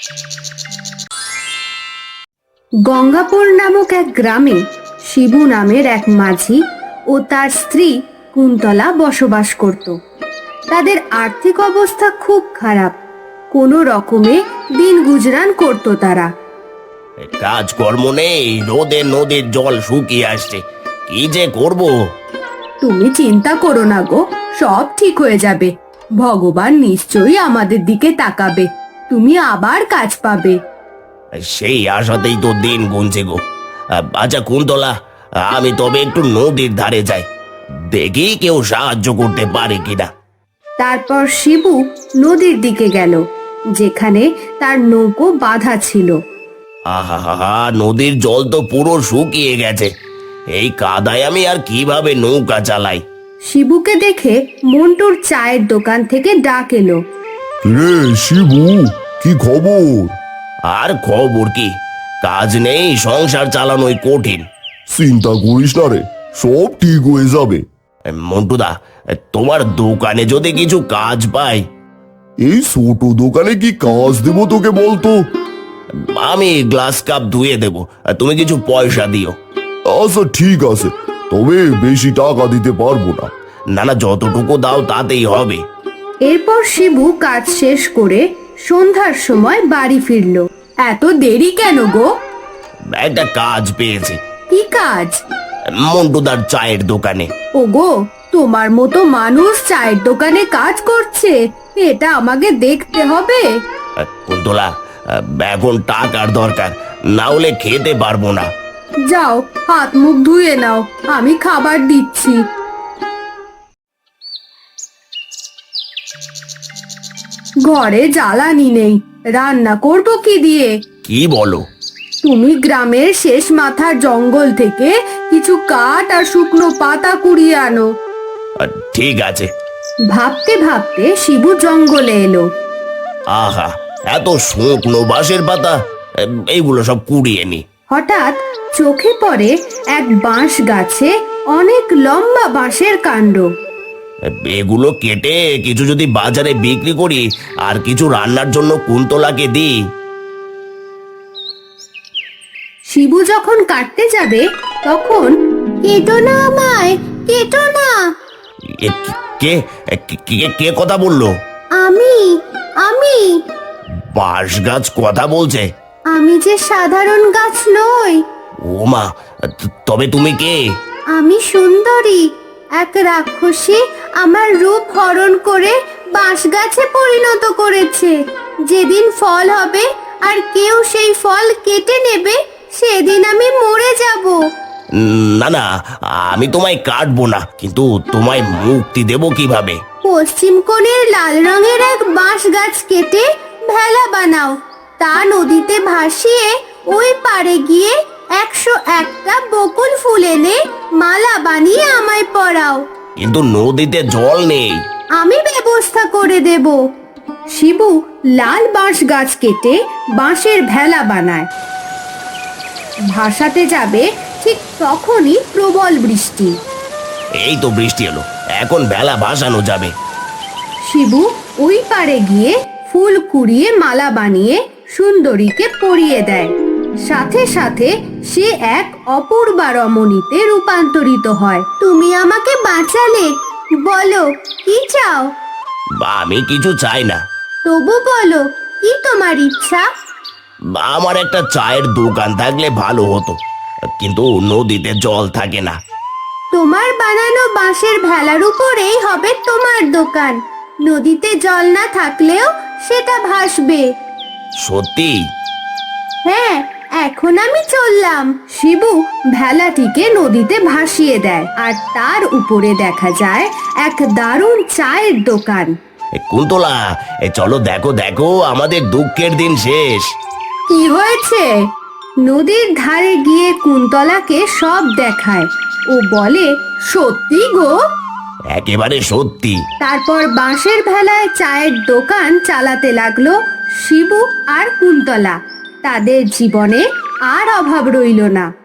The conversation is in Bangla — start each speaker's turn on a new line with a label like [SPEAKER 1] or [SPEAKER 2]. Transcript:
[SPEAKER 1] গঙ্গাপুর নামক এক গ্রামে শিবু নামের এক মাঝি ও তার স্ত্রী কুন্তলা বসবাস করত। তাদের আর্থিক অবস্থা খুব খারাপ, কোনো রকমে দিন গুজরান করত তারা।
[SPEAKER 2] কাজকর্ম নেই, রোদে নদীর জল শুকিয়ে আসছে, কি যে করব।
[SPEAKER 1] তুমি চিন্তা করো না গো, সব ঠিক হয়ে যাবে। ভগবান নিশ্চয়ই আমাদের দিকে তাকাবে, তুমি আবার কাজ পাবে।
[SPEAKER 2] সেই আশাতেই তো দিন গুনছে গো। আচ্ছা কুন্তলা, আমি তবে একটু নদীর ধারে যাই, দেখি কেউ সাহায্য করতে পারে কিনা।
[SPEAKER 1] তারপর শিবু নদীর দিকে গেল, যেখানে তার নৌকো বাঁধা ছিল।
[SPEAKER 2] আহা হা হা, নদীর জল তো পুরো শুকিয়ে গেছে, এই কাদায় আমি আর কিভাবে নৌকা চালাই।
[SPEAKER 1] শিবুকে দেখে মন্টুর চায়ের দোকান থেকে ডাক এলো।
[SPEAKER 3] রে শিবু, কি খবর?
[SPEAKER 2] আর খবর কি, কাজ নেই, সংসার চালানোই কঠিন।
[SPEAKER 3] চিন্তা করিস না রে, সব ঠিক হয়ে যাবে।
[SPEAKER 2] মন্টুদা, তোমার দোকানে যদি কিছু কাজ পাই।
[SPEAKER 3] এই ছোট দোকানে কি কাজ দেবো তোকে বলতো?
[SPEAKER 2] আমি গ্লাস কাপ ধুয়ে দেবো, তুমি কিছু পয়সা দিও।
[SPEAKER 3] আচ্ছা ঠিক আছে, তবে বেশি টাকা দিতে পারবো না।
[SPEAKER 2] না না, যতটুকু দাও তাতেই হবে।
[SPEAKER 1] এরপর শিবু কাজ শেষ করে সন্ধ্যার সময় বাড়ি ফিরল। এত দেরি কেন গো?
[SPEAKER 2] একটা কাজ পেয়েছি,
[SPEAKER 1] কি কাজ?
[SPEAKER 2] মন্টুদার চায়ের দোকানে।
[SPEAKER 1] ওগো, তোমার মতো মানুষ চায়ের দোকানে কাজ করছে, এটা আমাকে দেখতে হবে।
[SPEAKER 2] কুন্তলা, এখন টাকার দরকার, না হলে খেতে পারবো না।
[SPEAKER 1] যাও, হাত মুখ ধুয়ে নাও, আমি খাবার দিচ্ছি। ঘরে জ্বালানি নেই, রান্না করব কি দিয়ে?
[SPEAKER 2] কি বলো?
[SPEAKER 1] তুমি গ্রামের শেষ মাথার জঙ্গল থেকে কিছু কাঠ আর শুকনো পাতা কুড়িয়ে আনো।
[SPEAKER 2] ঠিক আছে।
[SPEAKER 1] ভাবতে ভাবতে শিবু জঙ্গলে এলো।
[SPEAKER 2] আহা, এত শুকনো বাঁশের পাতা, এইগুলো সব কুড়িয়ে নি।
[SPEAKER 1] হঠাৎ চোখে পড়ে এক বাঁশ গাছে অনেক লম্বা বাঁশের কাণ্ড।
[SPEAKER 2] এগুলো কেটে কিছু যদি বাজারে বিক্রি করি, আর কিছু রান্নার জন্য কুন্তলাকে দিই।
[SPEAKER 1] শিবু যখন কাটতে যাবে তখন, কেটো না আমায়, কেটো না।
[SPEAKER 2] এ কে কে কে কথা বললো?
[SPEAKER 1] আমি আমি
[SPEAKER 2] বাঁশ গাছ কথা বলছে?
[SPEAKER 1] আমি যে সাধারণ গাছ নই,
[SPEAKER 2] ও মা, তবে তুমি কে?
[SPEAKER 1] আমি সুন্দরী। এক রাক্ষসী আমার রূপ হরণ করে বাঁশ গাছে পরিণত করেছে। যেদিন ফল হবে আর কেউ সেই ফল কেটে নেবে, সেদিন আমি মরে যাব।
[SPEAKER 2] না না, আমি তোমায় কাটবো না, কিন্তু তোমায় মুক্তি দেব কিভাবে?
[SPEAKER 1] পশ্চিম কোণের লাল রঙের এক বাঁশ গাছ কেটে ভেলা বানাও, তা নদীতে ভাসিয়ে ওই পারে গিয়ে 101টা বকুল ফুল এনে মালা বানিয়ে আমায় পরাও।
[SPEAKER 2] কিন্তু নদীতে জল নেই।
[SPEAKER 1] আমি ব্যবস্থা করে দেব। শিবু লাল বাঁশ গাছ কেটে বাঁশের ভেলা বানায়। ভাসাতে যাবে, ঠিক তখনই প্রবল বৃষ্টি।
[SPEAKER 2] এই তো বৃষ্টি এলো, এখন ভেলা ভাসানো যাবে।
[SPEAKER 1] শিবু ওই পারে গিয়ে ফুল কুড়িয়ে মালা বানিয়ে সুন্দরীকে পরিয়ে দেয়। সাথে সাথে সে এক অপূর্বা রমণীতে রূপান্তরিত হয়। তুমি আমাকে বাঁচালে, বলো কি চাও?
[SPEAKER 2] আমি কিছু চাই না।
[SPEAKER 1] তবু বলো, কি তোমার ইচ্ছা?
[SPEAKER 2] আমার একটা চায়ের দোকান থাকলে ভালো হতো, কিন্তু নদীতে জল থাকে না।
[SPEAKER 1] তোমার বানানো বাঁশের ভেলার উপরেই হবে তোমার দোকান। নদীতে জল না থাকলেও সেটা ভাসবে।
[SPEAKER 2] সত্যি?
[SPEAKER 1] হ্যাঁ, এখন আমি চললাম। শিবু ভেলাটিকে নদীতে ভাসিয়ে দেয়, আর তার উপরে দেখা যায় এক দারুণ চায়ের দোকান।
[SPEAKER 2] কুন্তলা, চলো দেখো দেখো, আমাদের দুঃখের দিন শেষ।
[SPEAKER 1] কি হয়েছে? নদীর ধারে গিয়ে কুন্তলাকে সব দেখায় ও বলে, সত্যি গো?
[SPEAKER 2] একেবারে সত্যি।
[SPEAKER 1] তারপর বাঁশের ভেলায় চায়ের দোকান চালাতে লাগলো শিবু আর কুন্তলা। তাদের জীবনে আর অভাব রইল না।